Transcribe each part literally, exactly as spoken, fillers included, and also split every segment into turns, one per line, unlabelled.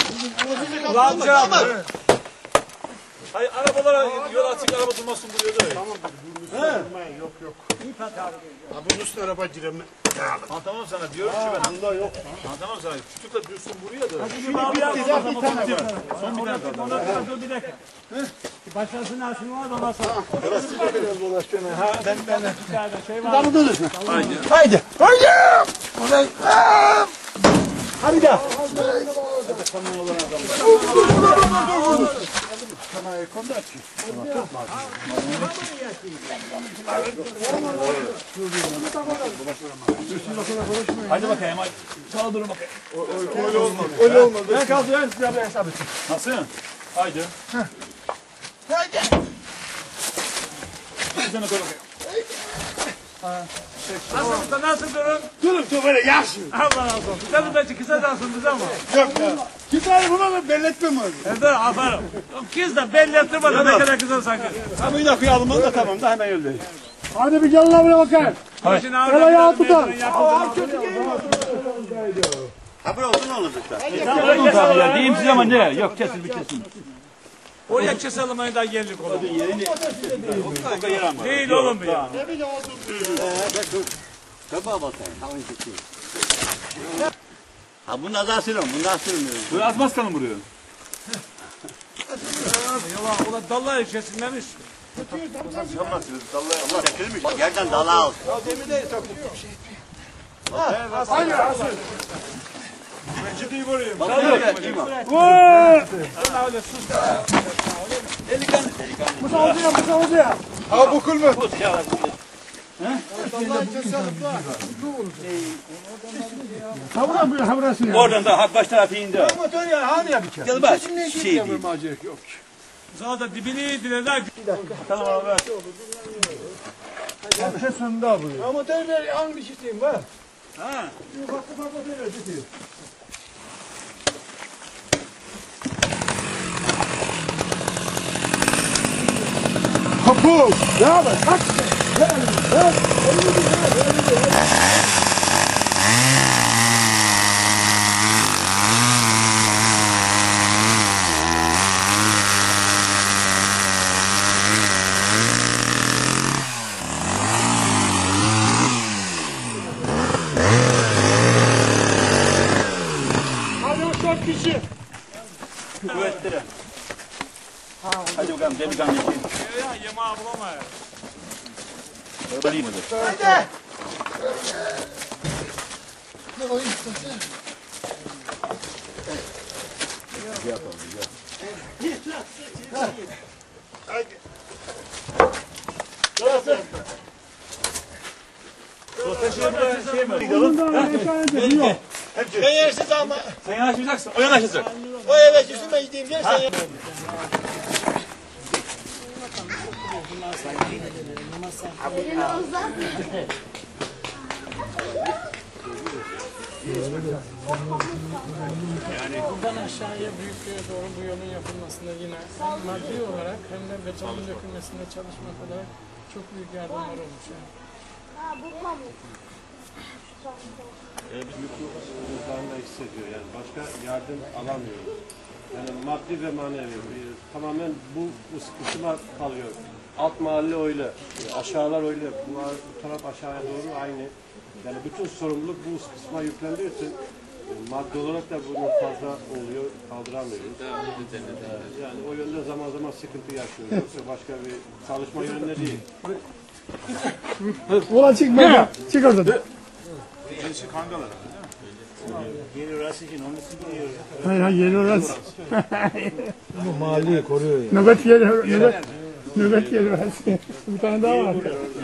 Amca. Hayır arabalara yol açık araba durmasın buraya da.
Tamam durmayın yok yok. Ha bunun üstüne araba giremem.
Anlatamam sana diyorum ki ben.
Bunda yok.
Anlatamam sana. Küçükle dursun buraya da.
Şimdi bitti ya bir tane var.
Son bir tane kaldı.
Dur bir dakika. Başkasının asını var ondan sonra.
Burası da biraz dolaşıyor.
Ha ben ben bir tane şey var.
Tamam durursun.
Haydi.
Haydi. Haydi. Ulan. Hadi gel. Kanaya kondu açıyor.
Haydi bakayım. Saldırın bakayım.
Öyle olmadı. Öyle olmadı.
Ben kaldırıyorum size bir hesap için.
Nasıl? Haydi.
Haydi.
Bir tane koy bakayım.
Nasıl usta nasıl durun?
Durun dur böyle yaşın.
Allah razı olsun. Sen de belki kısa dansınız ama.
Yok ya. Gider buna da belletmem abi.
Evet aferin. Kız da belli ettirmedi ne kadar kısa sanki.
Ha bir dakika alman da tamam da hemen yollayayım. Hadi bir gel lan buraya bakayım.
Şimdi
El ayağı tutar.
Ha böyle oldu ne olacak da?
Tamam tabii ya. Diyeyim size ama ne? Yok kesin bir kesin.
Oraya keselim da geldik oğlum.
Yerini. O yer ama.
Değil oğlum bu ya.
Tabii bakayım. Havayı çekiyor. Ha bunu az asıyorum. Bunu asıyorum.
Böyle atmaz kanım buraya.
Yalan ulan dallar içerisindemiş.
Çekilmiş. Yerden dala al.
Ciddi vurayım.
Bak böyle kim o?
Allah öyle sus.
Delikanlı. Delikanlı.
Musa oldu ya Musa oldu ya. Ha bu kul mu? Ha buradan bu ha burası ya.
Oradan da baş tarafı indi.
Motor ya hani ya bir kere.
Gel bak.
Şimdi
Şey
şey
değil.
macera yok.
Zaten dibini dileler.
Tamam abi.
Şey sonunda bu. Ama motor ver hangi şeyim var?
Ha.
Bak bak bak böyle gidiyor. Kapı! Ne haber? Kaç! Hadi o dört kişi.
Kuvvetli. Hadi bakalım delikanlı için.
Ya yemeği bulamayız.
Öyleyim mi?
Hadi!
Ben yersiz ama
Sen yanaşmayacaksın. O yanaşacak.
o eve üstüme gideyim gel sen.
Buradan aşağıya büyüklüğe doğru bu yolun yapılmasında yine hem maddi olarak hem de betonun dökülmesinde çalışmak olarak çok büyük yardımlar olmuş yani.
Uzağında hissediyor yani başka yardım alamıyoruz. Yani maddi ve manevi tamamen bu, bu sıkıntılar kalıyor. Alt mahalle öyle, aşağılar öyle, bu, bu taraf aşağıya doğru aynı. Yani bütün sorumluluk bu kısma yüklendiği için maddi olarak da bunu fazla oluyor, kaldıramıyoruz. Yani o yönde zaman zaman sıkıntı yaşıyoruz. Yoksa başka bir çalışma yönünde değil.
Ulan çık baba. Çık oradan.
Gerisi kangalar.
Yeni orası için onu sıkıyor.
Hayır hayır yeni orası.
Bu mahalleyi koruyor ya.
Nöbet yeri, nöbet, nöbet yeri orası. Bir tane daha var.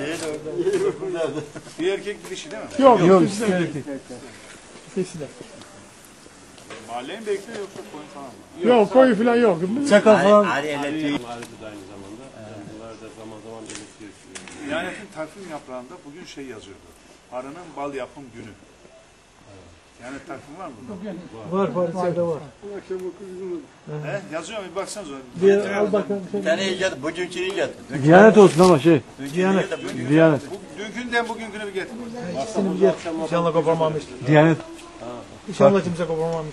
Bir erkek bir dişi değil mi?
Yok yok. İkisi de.
Mahalleyi mi bekliyor yoksa koyun falan mı?
Yok koyu falan yok.
Çakal falan.
Hadi elektriği.
Mahallede de aynı zamanda. Yani bunlar da zaman zaman belirtiyor.
Diyanet'in takvim yaprağında bugün şey yazıyordu. Arının bal yapım günü. Diyanet takvim var mı?
Var Paris'te var.
He? Yazıyor mu? Bir baksanıza.
Bir al bakalım.
Bir tane icat, bugünkü icat.
Diyanet olsun ama şey. Diyanet. Diyanet.
Bu, dünkünden bugünküne bir getir.
İnşallah koparmamış. Diyanet. İnşallah kimse kopamamış.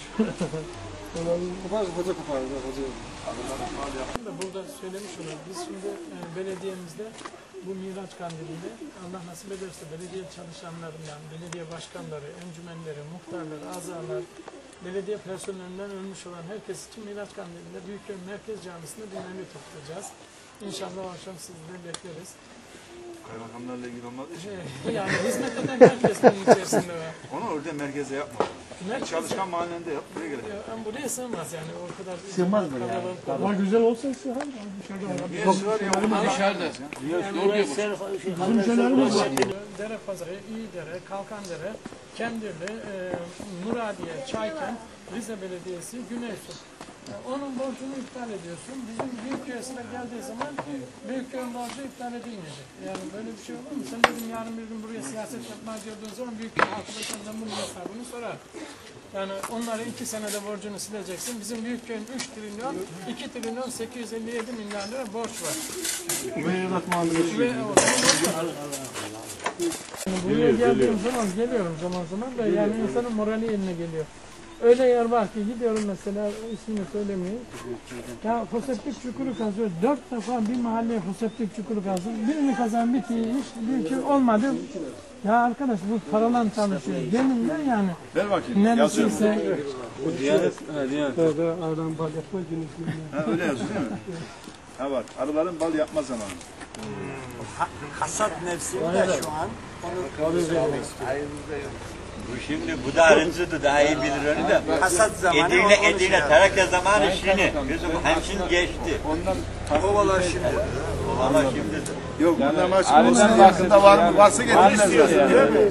Burada söylemiş olalım. Biz şimdi e, belediyemizde bu Miraç Kandili'nde Allah nasip ederse belediye çalışanlarından, belediye başkanları, encümenleri, muhtarları, azalar, belediye personelinden ölmüş olan herkes için Miraç Kandili'nde Büyükköy Merkez Camisi'nde bir menü toplayacağız. İnşallah o akşam sizi de bekleriz.
Kaymakamlarla ilgili olmadığı için.
Ee, yani hizmet eden herkes bunun içerisinde var.
Onu orada merkeze yapma.
Merkez-
Çalışkan mahallende yap. Buraya gerek.
Ya, ama buraya sığmaz yani o kadar.
Sığmaz mı yani?
kalabalık
Ama güzel olsa sığar. Dışarıda adam.
Bir yer var ya. Dışarıda.
Bizim şeylerimiz var.
Dere Pazarı, İyidere, Kalkandere, Kendirli, e, Muradiye, Çaykent, Rize Belediyesi, Güneysu. E, onun borcunu iptal ediyorsun. Bizim Büyükköy'e sıra geldiği zaman Büyükköy'ün borcu iptal edilmeyecek. Yani böyle bir şey olur mu? Sen dedim yarın bir gün buraya siyaset yapmaya girdiğin zaman Büyükköy halkı da senden bunun hesabını sorar. Yani onları iki senede borcunu sileceksin. Bizim Büyükköy'ün üç trilyon, iki trilyon sekiz yüz elli yedi milyar lira borç var.
Meyrat Mahallesi.
Ve o zaman buraya geldiğim zaman geliyorum zaman zaman da yani insanın morali yerine geliyor. Öyle yer var ki gidiyorum mesela ismini söylemeyeyim. Ya foseptik çukuru kazıyor. Dört defa bir mahalleye foseptik çukuru kazıyor. Birini kazan bitiyor. Hiç büyük olmadı. Ya arkadaş bu paralan çalışıyor. Benimle yani.
Ver bakayım.
Neredeyse
Tövbe aradan bal yapma günü.
Ha, öyle yazıyor değil mi? Ha bak. Arıların bal yapma zamanı.
Hasat mevsiminde şu an. Bu şimdi bu da arıncıdı, daha iyi bilir onu da. Hasat zamanı. Edirne, Edirne, Trakya zamanı şimdi. Bizim hemşin geçti. Ondan kovalar şimdi. Ama şimdi.
Yok bunlar maç olsun. Yakında var mı? Varsa getirin istiyorsun değil mi?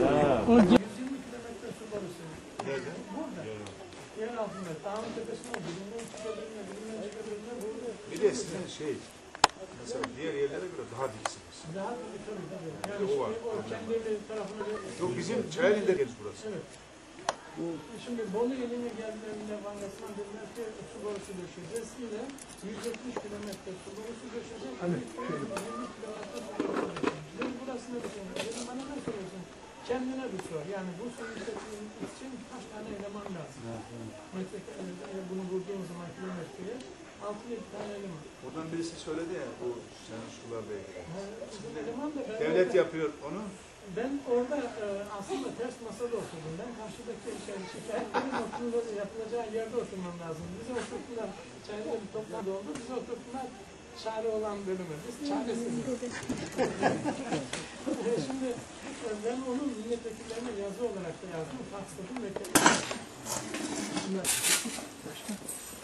yer altında dağın tepesine birinden çıkabilirine, birinden çıkabilirine burada.
Bir de sizin şey, mesela diğer yerlere göre daha diksiniz.
Daha tabii tabii tabii. Yani
O var.
o kendi evi tarafına
Yok bizim Çayeli'de geliz burası.
evet. Şimdi Bolu iline geldiğinde Vangasman dediler ki su borusu döşeceğiz. Yine yüz yetmiş kilometre su borusu döşeceğiz. Hani yirmi kilometre su borusu döşeceğiz. Biz burasını düşünüyoruz. Dedim bana ne soruyorsun? Kendine bir sor. Yani bu suyu işletmek için kaç tane eleman lazım? Metre, bunu vurduğun zaman kilometreye altı yedi tane eleman.
Buradan birisi söyledi ya bu senin sularla ilgili.
Bizim eleman da ben
Devlet
orada-
yapıyor onu.
Ben orada e, aslında ters masada oturdum. Ben karşıdaki şey, şikayetlerin oturduğu yapılacağı yerde oturmam lazım. Bizi oturttular. Çayda bir toplantı oldu. Bizi oturttular. Çare olan bölümü. Biz çaresiziz. E, Şimdi e, ben onun milletvekillerine yazı olarak da yazdım. Faksladım. Bekledim.